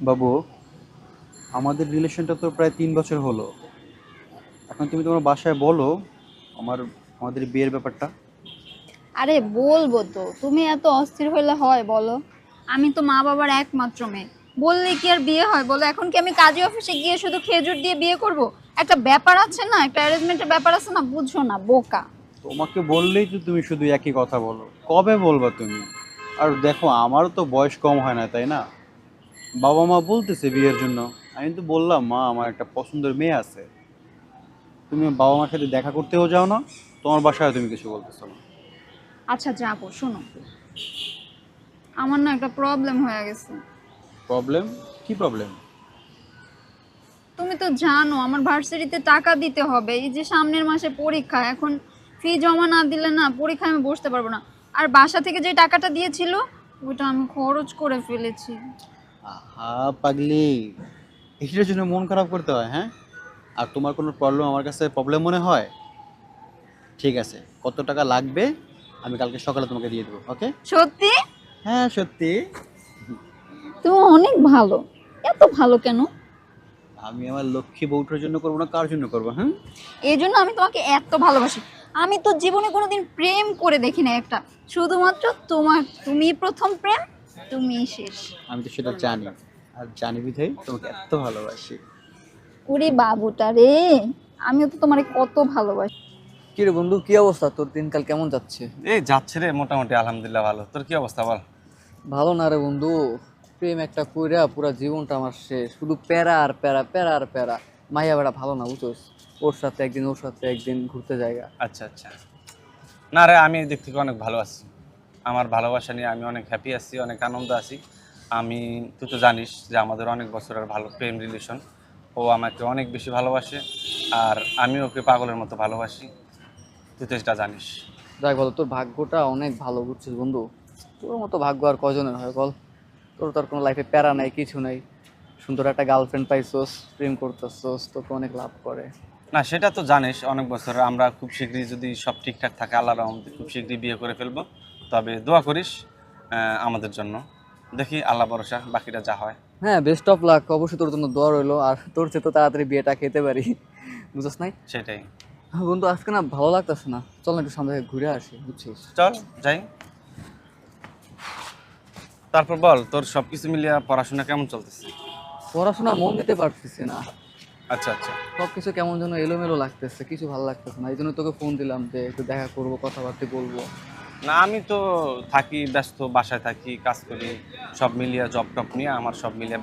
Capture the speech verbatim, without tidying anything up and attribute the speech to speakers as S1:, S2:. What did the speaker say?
S1: বাবু, আমাদের রিলেশনটা তো প্রায় তিন বছর হলো। এখন তুমি তোমার বাসায় বলো আমার আমাদের বিয়ের ব্যাপারটা।
S2: আরে বলবো তো, তুমি এত অস্থির হলে হয় বলো? আমি তো মা বাবার একমাত্র মেয়ে। বললে কি আর বিয়ে হয় বলো? এখন কি আমি কাজী অফিসে গিয়ে শুধু খেজুর দিয়ে বিয়ে করব? একটা ব্যাপার আছে না, একটা অ্যারেঞ্জমেন্টের ব্যাপার আছে না, বুঝছো না বোকা?
S1: তোমাকে বললেই তো তুমি শুধু একই কথা বলো, কবে বলবা তুমি? আর দেখো, আমারও তো বয়স কম হয় না, তাই না? বাবা মা বলতেছে বিয়ের জন্য। আমি তো বললাম, মা আমার একটা পছন্দের মেয়ে আছে। তুমি বাবা মার সাথে দেখা করতেও যাও না, তোমার বাসায় তুমি কিছু বলতেছো না।
S2: আচ্ছা যাবো, শোনো, আমার না একটা প্রবলেম হয়ে গেছে।
S1: প্রবলেম? কি প্রবলেম?
S2: তুমি তো জানো আমার ভার্সিটিতে টাকা দিতে হবে, এই যে সামনের মাসে পরীক্ষা, এখন ফি জমা না দিলে না পরীক্ষায় আমি বসতে পারবো না। আর বাসা থেকে যে টাকাটা দিয়েছিল ওইটা আমি খরচ করে ফেলেছি।
S1: আহা পাগলি, এটার জন্য মন খারাপ করতে হয়, হ্যাঁ? আর তোমার কোনো প্রবলেম আমার কাছে প্রবলেম মনে হয়? ঠিক আছে, কত টাকা লাগবে আমি কালকে সকালে তোমাকে দিয়ে দেবো, ওকে?
S2: সত্যি?
S1: হ্যাঁ, সত্যি।
S2: তুমি অনেক ভালো। এত ভালো কেন?
S1: আমি আমার লক্ষ্মী বউটার জন্য করবো না, কার জন্য করবো? হ্যাঁ,
S2: এই জন্য আমি তোমাকে এত ভালোবাসি। আমি তো জীবনে কোনোদিন প্রেম করে দেখি না একটা, শুধুমাত্র তোমার, তুমি প্রথম প্রেম, তুমি শেষ।
S1: আমি তো সেটা জানি, আর জানি বিধাই তোমাকে এত ভালোবাসি।
S2: ওরে বাবুটা রে, আমিও তো তোমারে কত ভালোবাসি।
S3: কি রে বন্ধু, কি অবস্থা? তোর দিনকাল কেমন যাচ্ছে?
S4: এই যাচ্ছে রে, মোটামুটি আলহামদুলিল্লাহ ভালো। তোর কি অবস্থা বল?
S3: ভালো না রে বন্ধু। প্রেম একটা কইরা পুরা জীবনটা আমার শেষ, শুধু প্যারা আর প্যারা, প্যারা আর প্যারা। মাইয়া বেড়া ভালো না, বুঝছোস? ওর সাথে একদিন, ওর সাথে একদিন ঘুরতে জায়গা।
S4: আচ্ছা আচ্ছা। না রে, আমি এই দিক থেকে অনেক ভালো আছি। আমার ভালোবাসা নিয়ে আমি অনেক হ্যাপি আছি, অনেক আনন্দ আছি। আমি, তুই তো জানিস যে আমাদের অনেক বছরের ভালো প্রেম রিলেশন। ও আমাকে অনেক বেশি ভালোবাসে, আর আমি ওকে পাগলের মতো ভালোবাসি। তুই তো এটা জানিস।
S3: যাই বলো, তোর ভাগ্যটা অনেক ভালো, বুঝছিস বন্ধু? তোর মতো ভাগ্য আর কয়জনের হয় বল? তোর তো আর কোনো লাইফে প্যারা নাই, কিছু নাই। সুন্দর একটা গার্লফ্রেন্ড পাইছোস, প্রেম করতেছোস, তোকে অনেক লাভ করে।
S4: না, সেটা তো জানিস, অনেক বছর আমরা খুব শীঘ্রই যদি সব ঠিকঠাক থাকে আল্লাহর রহমতে খুব শীঘ্রই বিয়ে করে ফেলবো। তবে দোয়া করিস আহ, আমাদের জন্য। দেখি, আল্লাহ ভরসা, বাকিটা যা হয়।
S3: হ্যাঁ, বেস্ট অফ লাক। অবশ্যই তোর জন্য দোয়া রইলো, আর তোর চেয়ে তো তাড়াতাড়ি বিয়েটা খেতে পারি। বুঝছ নাই?
S4: সেটাই।
S3: হ্যাঁ বন্ধু, আজকে না ভালো লাগতেছে না, চল না একটু সামনে থেকে ঘুরে আসি, বুঝছিস?
S4: চল যাই। তারপর বল, তোর সবকিছু মিলিয়ে পড়াশোনা কেমন চলতেছে?
S3: পড়াশোনা মন দিতে পারতেছি না।
S4: আচ্ছা আচ্ছা।
S3: সবকিছু কেমন যেন এলোমেলো লাগতেছে, কিছু ভালো লাগতেছে না। এই জন্য তোকে ফোন দিলাম যে একটু দেখা করবো, কথাবার্তা বলবো।
S4: না, আমি তো থাকি ব্যস্ত, বাসায় থাকি, কাজ করি, সব মিলিয়ে জব টপ নিয়ে আমার সব মিলিয়ে